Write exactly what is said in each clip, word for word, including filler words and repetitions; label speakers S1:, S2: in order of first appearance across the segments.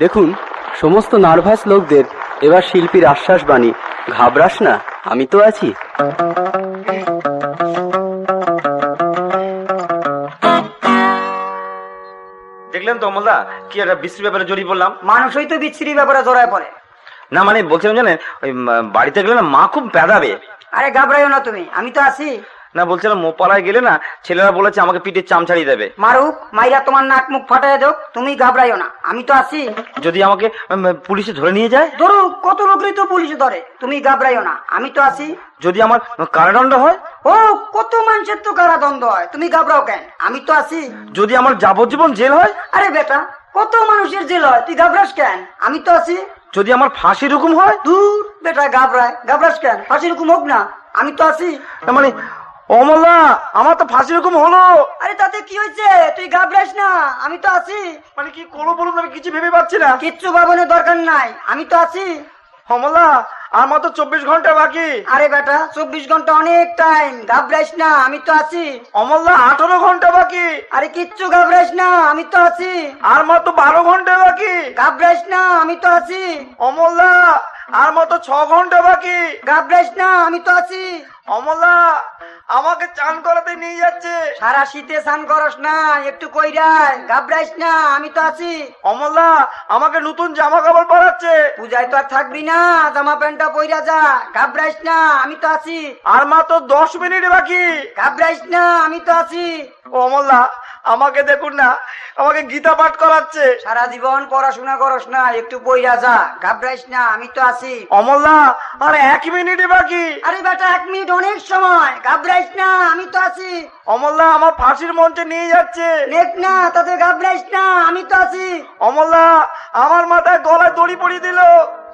S1: দেখুন সমস্ত নার্ভাস লোকদের এবার শিল্পীর আশ্বাস বাণী, ঘাবড়াস না, আমি তো আছি।
S2: দেখলেন তো অমলদা, কি একটা বিশ্রী ব্যাপারে জড়িয়ে পড়লাম।
S3: মানুষই তো বিচ্ছিরি ব্যাপারে জড়ায় পড়ে।
S2: না মানে বলছিলাম জানেন, ওই বাড়িতে গেলে না মা খুব পেদাবে।
S3: আরে ঘাবড়াইও না তুমি, আমি তো আছি।
S2: না বলছিলাম মোপালায় গেলে না ছেলেরা বলেছে আমাকে পিঠের চাম ছাড়িয়ে দেবে।
S3: মারুক, মাইরা তোমার নাক মুখ ফাটাই দাও, তুমি ঘাবড়াইও না, আমি তো আছি।
S2: যদি আমাকে পুলিশে ধরে নিয়ে যায়?
S3: ধরুক, কত লোকই তো পুলিশে ধরে, তুমি ঘাবড়াইও না, আমি তো আছি।
S2: যদি আমার কারাদণ্ড হয়?
S3: ও কত মানুষের তো কারাদণ্ড হয়, তুমি ঘাবড়াও কেন, আমি তো আছি।
S2: যদি আমার যাবজ্জীবন জেল হয়?
S3: আরে বেটা, কত মানুষের জেল হয়, তুই ঘাবড়াস কেন, আমি তো আছি।
S2: যদি আমার ফাঁসির হুকুম হয়?
S3: দূর বেটা, ঘাবড়ায় ঘাবড়াস কেন, ফাঁসির হুকুম হোক না, আমি তো আছি।
S2: মানে অমলা, আমার তো ফাঁসির হুকুম হলো।
S3: আরে তাতে কি হয়েছে, তুই ঘাবড়াস না, আমি তো আছি।
S2: মানে কি করবো বলুন, আমি কিছু ভেবে পাচ্ছি না।
S3: কিচ্ছু ভাবনের দরকার নাই, আমি তো আছি।
S2: অমলা, আর মাত্র চব্বিশ ঘন্টা বাকি।
S3: আরে বেটা, চব্বিশ ঘন্টা অনেক টাইম, ঘাবড়াইস না, আমি তো আছি।
S2: অমলা, আঠারো ঘন্টা বাকি।
S3: আরে কিচ্ছু ঘাবড়াইস না, আমি তো আছি।
S2: আর মাত্র বারো ঘন্টা বাকি।
S3: ঘাবড়াইস না, আমি তো আছি।
S2: অমলা, আর মাত্র ছ ঘন্টা বাকি।
S3: ঘাবড়াইস না, আমি তো আছি।
S2: অমলা, আমাকে চান করাতে নিয়ে যাচ্ছে।
S3: সারা শীতে স্নান করস না, একটু কইরাই, ঘাবড়াইস না, আমি তো আছি।
S2: অমলা, আমাকে নতুন জামা কাপড় পরাচ্ছে।
S3: পূজায় তো আর থাকবি না, জামা প্যান্টটা পইরা যা, ঘাবড়াইস না, আমি তো আছি।
S2: আর মাত্র দশ মিনিট বাকি।
S3: ঘাবড়াইস না, আমি তো আছি।
S2: অমলা, আমাকে দেখুন না, আমাকে গীতা পাঠ করাচ্ছে।
S3: সারা জীবন পড়াশোনা করস না, একটু পইরা যা, ঘাবড়াইস না, আমি তো আছি।
S2: অমলা, আর এক মিনিট বাকি।
S3: আরে বেটা, এক মিনিট অনেক সময়, ঘাবড়াইস না, আমি তো আছি।
S2: অমলা, আমার ফাঁসির মঞ্চে নিয়ে যাচ্ছে।
S3: দেখ না, তাতে ঘাবড়াইস না, আমি তো আছি।
S2: অমলা, আমার মাথায় গলায় দড়ি পরিয়ে দিল।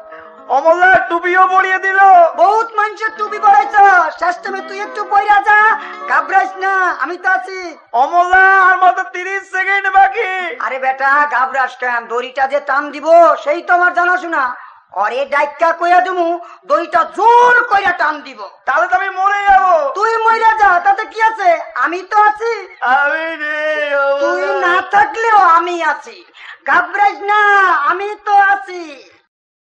S2: অমলা, টুপিও পরিয়ে দিল।
S3: বহুত মানুষের টুপি পড়াইছ, শেষ টাইমে তুই একটু পইরা যা, ঘাবড়াইস না, আমি তো আছি।
S2: অমলা, আর মাত্র তিরিশ সেকেন্ড বাকি।
S3: আরে বেটা, ঘাবড়াস কেন, দড়িটা যে টান দিব সেই তো আমার জানাশোনা। অরে ডাইকা কইয়া দিমু, দড়িটা জোর কইরা টান দিব।
S2: তাহলে তো আমি মরে যাবো।
S3: তুই মইরা যা, তাতে কি আছে, আমি তো আছি।
S2: আমি নেই,
S3: তুই না থাকলেও আমি আছি, ঘাবড়াইস না, আমি তো আছি।